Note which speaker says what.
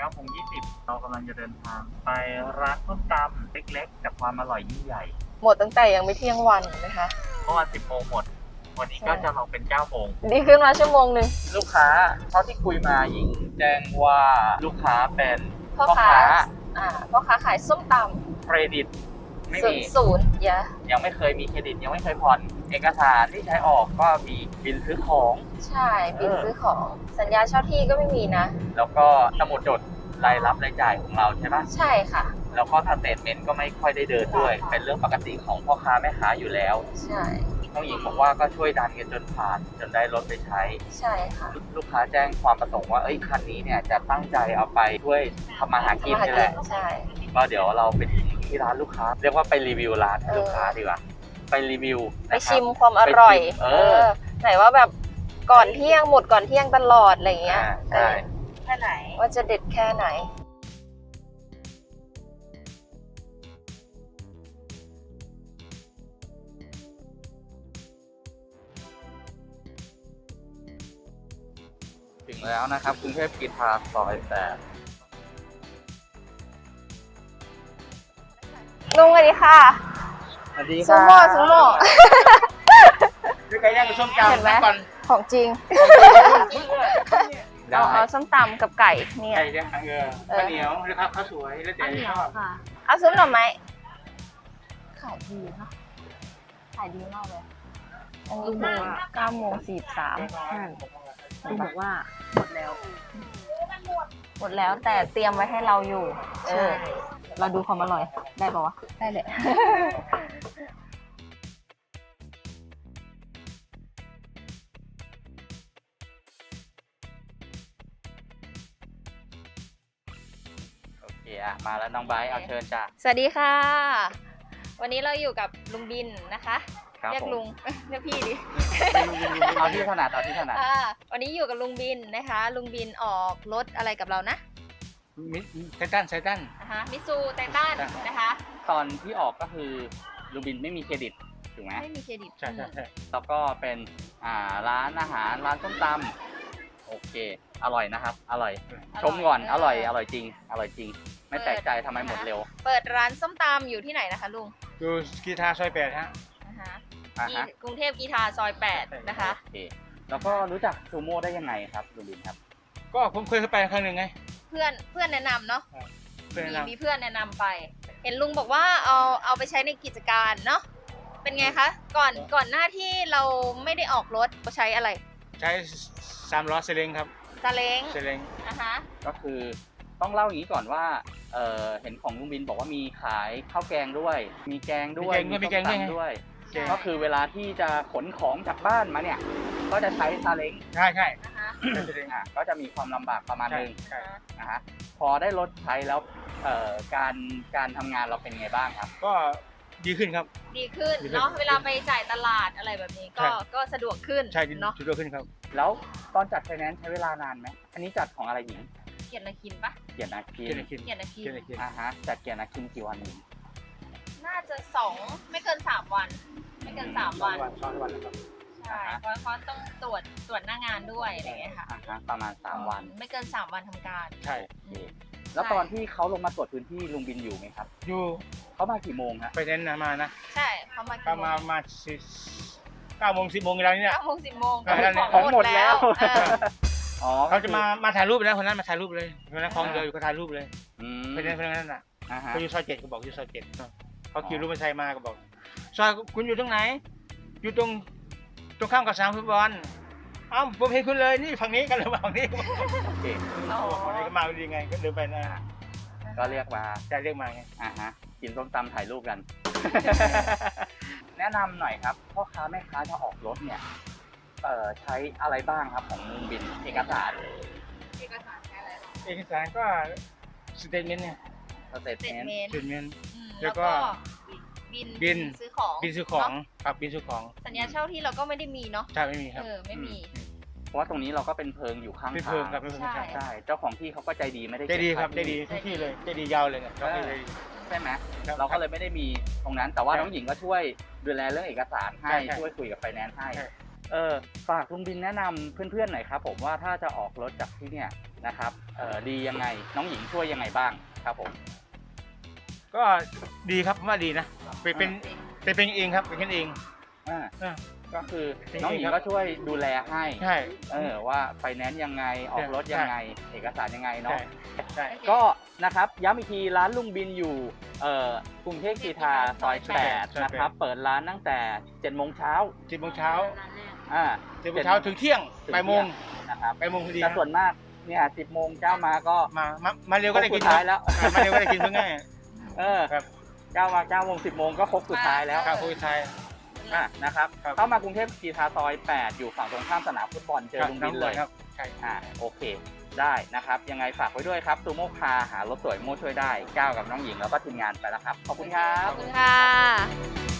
Speaker 1: 9:20เรากำลังจะเดินทางไปร้านส้มตำเล็กๆแต่ความอร่อยยิ่งใหญ่
Speaker 2: หมดตั้งแต่ยังไม่เที่ยงวันนะคะ
Speaker 1: เมื่อวาน10 โมงหมด วันนี้ก็จะลองเป็น9 โมง
Speaker 2: ดีขึ้นมาชั่วโมงหนึ่ง
Speaker 1: ลูกค้าเท่าที่คุยมาหญิงแจ้งว่าลูกค้าเป็น
Speaker 2: พ่อค้าพ่อค้าขายส้มต
Speaker 1: เครดิต
Speaker 2: ำ
Speaker 1: ไม่
Speaker 2: ศู
Speaker 1: มี
Speaker 2: นย์ศูนย์อย่า
Speaker 1: ยังไม่เคยมีเครดิตยังไม่เคยผ่อนเอกสารที่ใช้ออกก็มีบิลซื้อของ
Speaker 2: ใช่บินซื้อของสัญญาเช่าที่ก็ไม่มีนะ
Speaker 1: แล้วก็สมุดจดรายรับรายจ่ายของเราใช่ไหม
Speaker 2: ใช่ค่ะ
Speaker 1: แล้วก็สเตทเมนต์ก็ไม่ค่อยได้เดินด้วย เป็นเรื่องปกติของพ่อค้าแม่ค้าอยู่แล้ว
Speaker 2: ใช่
Speaker 1: น้องหญิงบอกว่าก็ช่วยดันกันจนผ่านจนได้รถไปใช้
Speaker 2: ใช่ค่ะ
Speaker 1: ลูกค้าแจ้งความประสงค์ว่าคันนี้เนี่ยจะตั้งใจเอาไปช่วยทำมาหากินนี่แหละ
Speaker 2: ใช่
Speaker 1: ก็เดี๋ยวเราไปที่ร้านลูกค้า เรียกว่าไปรีวิวร้านให้ลูกค้าดีกว่า ไปรีวิว
Speaker 2: ไปชิมความอร่อย
Speaker 1: ไปชิม
Speaker 2: ไหนว่าแบบก่อนเที่ยงหมดก่อนเที่ยงตลอดอะไรอย่างเงี้ย
Speaker 1: ใช่
Speaker 2: แค่ไหนว่าจะเด็ดแค่ไหน
Speaker 1: ถึงแล้วนะครับกรุงเทพกรีฑาซอย8
Speaker 2: ลุงสวัสดีค่ะ
Speaker 1: สวัสดี
Speaker 2: ซู
Speaker 1: ค่ะ
Speaker 2: โม่ซูโม่
Speaker 1: ด้วยไก่ย่างกับส้ม
Speaker 2: เห็นไหม
Speaker 1: ตำก่อน
Speaker 2: ของจริง
Speaker 1: ได้
Speaker 2: เอาส้มตำกับไก่เนี่ย
Speaker 1: ไก่ย่างข้าวเหนียวนะครับข้าวสวยแล้วแต่ชอบ
Speaker 2: เอาซุปหน่อไม้ขายดีเนาะขายดีมากเลยอันนี้คือ9:43ลุงบอกว่าหมดแล้ว หมดแล้วแต่เตรียมไว้ให้เราอยู่เราดูความอร่อยได้ปะวะได้เลย
Speaker 1: โอเคอะมาแล้วน้องไบร์ทเอาเชิญจ้ะ
Speaker 2: สวัสดีค่ะ วันนี้เราอยู่กับลุงบินนะคะ
Speaker 1: ครับ
Speaker 2: เรียก
Speaker 1: ผม
Speaker 2: ลุง เรียกพี่ดิ
Speaker 1: เอาที่ถนัดเอาที่ถนัด
Speaker 2: วันนี้อยู่กับลุงบินนะคะ ลุงบินออกรถอะไรกับเรานะ
Speaker 1: ไททัน
Speaker 2: นะคะมิซูไททันนะคะ
Speaker 1: ตอนที่ออกก็คือลูบินไม่มีเครดิตถูกไหม
Speaker 2: ไม่มีเครดิต
Speaker 1: ใช่แล้วก็เป็นร้านอาหารร้านส้มตำโอเคอร่อยนะครับ อร่อย ชมก่อนอร่อยจริงอร่อยจริง ไม่แปลกใจทำไมหมดเร็ว
Speaker 2: เปิดร้านส้มตำอยู่ที่ไหนนะคะลุง
Speaker 3: อยู่กีทาซอย8ฮะ
Speaker 2: นะคะ
Speaker 1: อ่าฮะ
Speaker 2: ที่กรุงเทพกีทาซอย8นะคะ
Speaker 1: โอเคแล้วก็รู้จักซูโม่ได้ยังไงครับลูบินครับ
Speaker 3: ก็ผมเคยเข้าไปครั้งหนึ่งไง
Speaker 2: เพื่อนแนะนำเนาะ
Speaker 3: เพื่อนแนะนำ
Speaker 2: มีเพื่อนแนะนำไป เห็นลุงบอกว่าเอาไปใช้ในกิจการเนาะเป็นไงคะก่อนหน้าที่เราไม่ได้ออกรถใช้อะไร
Speaker 3: ใช้3 ล้อเซเลงครับ
Speaker 2: ซาเล้ง
Speaker 3: เซเลง
Speaker 2: นะคะ
Speaker 1: ก็คือต้องเล่าอย่างนี้ก่อนว่าเห็นของลุงบินบอกว่ามีขายข้าวแกงด้วย มีแกงด้วยส้มตำด้วย
Speaker 2: ใช่
Speaker 1: ก็คือเวลาที่จะขนของจากบ้านมาเนี่ย ก็จะใช้ซาเล้ง
Speaker 3: ใช่ใช่
Speaker 2: นะคะ
Speaker 3: ใช้เซเลง
Speaker 1: ก็จะมีความลำบากประมาณ
Speaker 3: ใช่
Speaker 1: นึง
Speaker 3: ใช่
Speaker 1: นะฮะพอได้รถใช้แล้วการทำงานเราเป็นไงบ้างครับ
Speaker 3: ก็ดีขึ้นครับ
Speaker 2: ดีขึ้น
Speaker 3: ดีขึ้น
Speaker 2: เนาะเวลาไปจ่ายตลาดอะไรแบบนี้
Speaker 3: ใช่
Speaker 2: ก็สะดวกขึ้น
Speaker 3: ใช่ดี
Speaker 2: เนาะ
Speaker 3: ดีขึ้นครับ
Speaker 1: แล้วตอนจัดไฟแนนซ์ใช้เวลานานไหมอันนี้จัดของอะไรหญิง
Speaker 2: เกียรตินาคินปะ
Speaker 1: เกียรตินาคิ
Speaker 3: เกียรติคิน
Speaker 2: เกียรตินาคิน
Speaker 3: เกียรติคิน
Speaker 1: จัดเกียรตินาคินกี่วันหญิง
Speaker 2: น่าจะ2ไม่เกิน3วัน ไม่เกิน3วัน
Speaker 3: 2 วันแล้วครับ
Speaker 2: ใช่เพราะเขาต้องตรวจหน้างานด้วยอะไรอย่างเงี้ยค่ะ
Speaker 1: ประมาณ3 วัน
Speaker 2: ไม่เกิน3วันทำการ
Speaker 3: ใช่
Speaker 1: โอเคแล้วตอนที่เขาลงมาตรวจพื้นที่ลุงบินอยู่ไหมครับ
Speaker 3: อยู่
Speaker 1: เขามากี่โมงฮะ
Speaker 3: ไปเน้นนะมานะ
Speaker 2: ใช่เขามา
Speaker 3: ก็มา9 โมง 10 โมงอะไรเนี่ย
Speaker 2: 9 โมง 10 โมง
Speaker 3: ใช่แล้วเนี่ย
Speaker 1: ของหมดแล้ว
Speaker 2: เออ
Speaker 1: อ๋อ
Speaker 3: เขาจะมาถ่ายรูปนะคนนั้นมาถ่ายรูปเลยคนนั้นคลองเดียวอยู่ก็ถ่ายรูปเลย
Speaker 1: อืม
Speaker 3: ไปเน้นคนนั้นน่ะ
Speaker 1: อ่าฮะ
Speaker 3: เขาอยู่ซอย7ก็บอกอยู่ซอย7เขาขี่รถมอเตอร์ไซค์มาก็บอกซอยคุณอยู่ตรงไหน อยู่ตรงข้ามกับสนามฟุตบอลเอ้าผมเห็นคุณเลยนี่ฝั่งนี้กันหรือฝั่งนี้
Speaker 1: โอเค
Speaker 2: อ๋อ
Speaker 3: ฝั่งนี้ก็มาดีไงก็เดินไปนะ
Speaker 1: ก็เรียกมา
Speaker 3: จะเรียกมาไง
Speaker 1: อ่าฮะกินส้มตำถ่ายรูปกัน แนะนำหน่อยครับพ่อค้าแม่ค้าจะออกรถเนี่ยใช้อะไรบ้างครับของลุงบินเอกสาร
Speaker 2: เอกสารใช้อะไรหรอ
Speaker 3: เอกสารก็สเตทเมนต์เนี่ย
Speaker 1: สเตท
Speaker 2: เต็
Speaker 1: เมนต์
Speaker 2: เมน
Speaker 3: สเตทเมนต์ แล้
Speaker 2: แล้ว
Speaker 3: วก็
Speaker 2: ก็บินซื้อของ
Speaker 3: บินซื้อของ
Speaker 2: เนะ
Speaker 3: ครับบินซื้อของ
Speaker 2: สัญญาเช่าที่เราก็ไม่ได้มีเนาะ
Speaker 3: ใช่ไม่มีครับ
Speaker 2: ไม่มี
Speaker 1: เพราะว่าตรงนี้เราก็เป็นเพิงอยู่ข้าง
Speaker 3: เป็น
Speaker 1: ทา
Speaker 3: เพิ่ม
Speaker 1: ง
Speaker 3: ครับเป็นเพิ่ม
Speaker 2: ใช่
Speaker 3: ใช่
Speaker 1: ใช่เจ้าของที่เขาก็ใจดีไม่ได้
Speaker 3: ใจดี
Speaker 1: เก็
Speaker 3: ครับ
Speaker 1: ค่า
Speaker 3: ใจดีทุกที่เลยใจดียาวเลยเนี่ยใจดี
Speaker 1: ใช่ไหม
Speaker 3: ครับ
Speaker 1: เราก็เลยไม่ได้มีตรงนั้น แต่ว่า
Speaker 3: ใช่
Speaker 1: น้องหญิงก็ช่วยดูแลเรื่องเอกสารให้
Speaker 3: ใช่
Speaker 1: ช่วยคุยกับไฟแนนซ์ให้
Speaker 3: ใช่
Speaker 1: ฝากลุงบินแนะนำเพื่อนๆหน่อยครับผมว่าถ้าจะออกรถจากที่เนี่ยนะครับดียังไงน้องหญิงช่วยยังไงบ้างครับผม
Speaker 3: ก็ดีครับผมว่าดีนะเป็นเองครับเป็นกันเอง
Speaker 1: อ่า
Speaker 3: อ่า
Speaker 1: ก็คือ
Speaker 3: จริงๆ
Speaker 1: น้องหญิง
Speaker 3: ครับ
Speaker 1: ก็ช่วยดูแลให้
Speaker 3: ใช่
Speaker 1: ว่าไฟแนนซ์ยังไงออกรถยังไง เอกสารยังไง
Speaker 3: ใช่
Speaker 1: เนาะ
Speaker 3: ใช่
Speaker 1: ก็นะครับย้ำอีกทีร้านลุงบินอยู่กรุงเทพกรีฑาซอย8นะครับเปิดร้านตั้งแต่7 โมงเช้า
Speaker 3: 10 โมงเช้า
Speaker 1: อ่า
Speaker 3: 10 โมงเช้าถึงเที่ยง
Speaker 1: ถึง
Speaker 3: บ่ายโมง
Speaker 1: นะครับ
Speaker 3: บ่ายโมงพอดี
Speaker 1: แต่ส่วนมากเนี่ย10 โมงเจ้ามาก็
Speaker 3: มาเร็วก็ได้กิน
Speaker 1: สุดท้ายแล้ว
Speaker 3: มาเร็วก็ได้กินเพื่อง่าย ครับ
Speaker 1: เจ้ามา9 โมง 10 โมงก็ครบสุดท้ายแล้ว
Speaker 3: ครับผู้ชาย
Speaker 1: นะครับ
Speaker 3: ครับ
Speaker 1: เข้ามากรุงเทพกรีฑาซอย8อยู่ฝั่งตรงข้ามสนามฟุตบอลเจอลุงบินเลย
Speaker 3: ครับใช่
Speaker 1: โอเคได้นะครับ ยังไงฝากไว้ด้วยครับซูโม่คาร์หารถสวยโม่ช่วยได้ก้าวกับน้องหญิงแล้วก็ทีมงานไปแล้วครับ ขอบคุณครับ
Speaker 2: ขอบคุณค่ะ